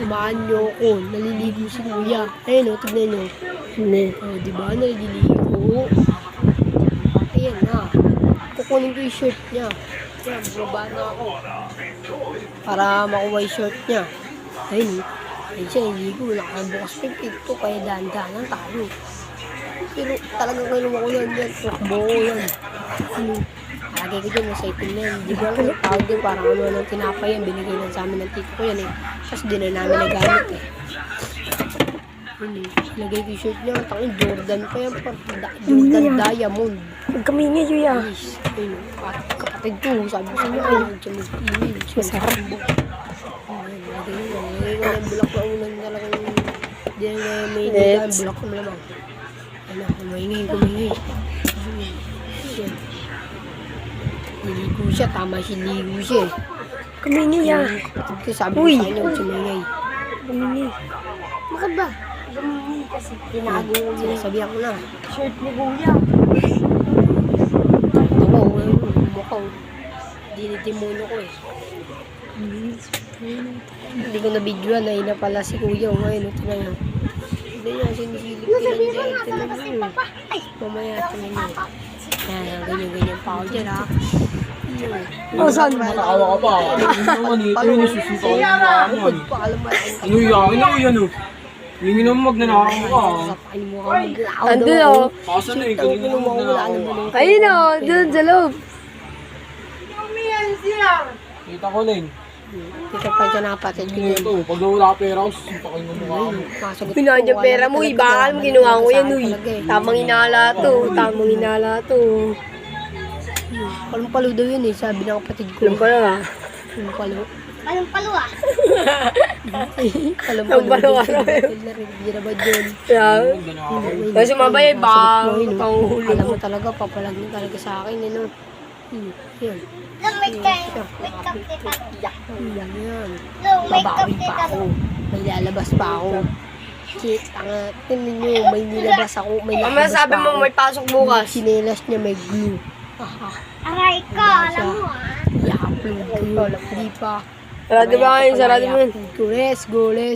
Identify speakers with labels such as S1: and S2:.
S1: tumaan niyo ako. Naliligo si kuya. Ayun o, tignan niyo. O, diba? Naliligo. Ayan na. Kukunin ko yung shirt niya. Ayan, bumaba na ako. Para makuha yung shirt niya. Ayun o. Ayun siya, naliligo. Nakabukas pa yung pinto. Kaya dahan-dahanan tayo. Pero talagang kayo makulan yan. Tukbo ko yan. Lagay ko dyan, nasa itim na yan. Di ba lang tawag din, parang ano ng tinapay yan. Binigay lang sa amin ng tito ko yan eh. Tapos di na namin nagamit eh. Lagay ko yung shirt niya. Tangin, Jordan pa yan. Jordan Diamond.
S2: Kami nga yun yan.
S1: Kapatid ko, sabi ko sa inyo, ayaw siya mag-iwi.
S2: Masarap.
S1: Lagay ko ng bulak na ulan talagang di na may nila. Bulak ko malamang. Ano, kumingay. Niligo siya, tama siya, niligo siya eh.
S2: Kami nga yan.
S1: Kasi sabi ko sa inyo, sumingay.
S2: Kami.
S1: Bakit ba?
S2: Kami kasi tinago yung
S1: Sinasabihan ko na.
S2: shirt ni kuya.
S1: Ito ko, mukhang dinitimuno ko eh. Hindi ko na-videoan, ay na pala si kuya. Ngayon, ito na yun. Hindi niya, sinisilip ko lang dyan. Ito na yun. Mamaya, ito na yun. Yan, ganyan-ganyan pa ako dyan ha.
S2: Oh, saan?
S3: Nakawa ka pa. Ano naman ito yung nasusunta ko yung mga ano. Ano yung na yan o? Hindi naman magnanakaw ka.
S2: Andun o.
S3: Kaso na yung kanina naman magnanakaw.
S2: Ayun o, dun sa loob.
S3: Kita ko lang.
S1: Dito pa dyan nakapatid ko
S3: Ano
S1: dyan.
S3: ito? Pag wala ka pera, susunta ko yung mukha mo.
S2: Pinaan yung pera mo, ibakal mo, ginawa ko yan, uy. Tamang inala to, tamang inala to.
S1: Palumpalo daw yun eh, sabi ng kapatid ko.
S2: Alam ko lang ah.
S1: Palumpalo.
S4: Palumpalo ah.
S1: Palumpalo din. Hindi na ba dyan?
S2: Yeah. Kasi mabay, baka panguhulog.
S1: Alam mo talaga, papalag mo talaga sa akin. Ano? Yan.
S4: Long make up kita.
S1: Yan.
S4: Long make up
S1: Babawi pa
S4: kita.
S1: ako. May lalabas pa ako. Shit, tingnan nyo, may nilabas ako. May
S2: Ang
S1: lalabas
S2: masabi
S1: pa
S2: mo,
S1: ako.
S2: may pasok bukas.
S1: Sinelas niya may glue.
S4: Aray ko, alam mo ah.
S1: I-upload ko. Hindi pa.
S2: Sarado ba kayo? Sarado mo yun.
S1: Let's go, let's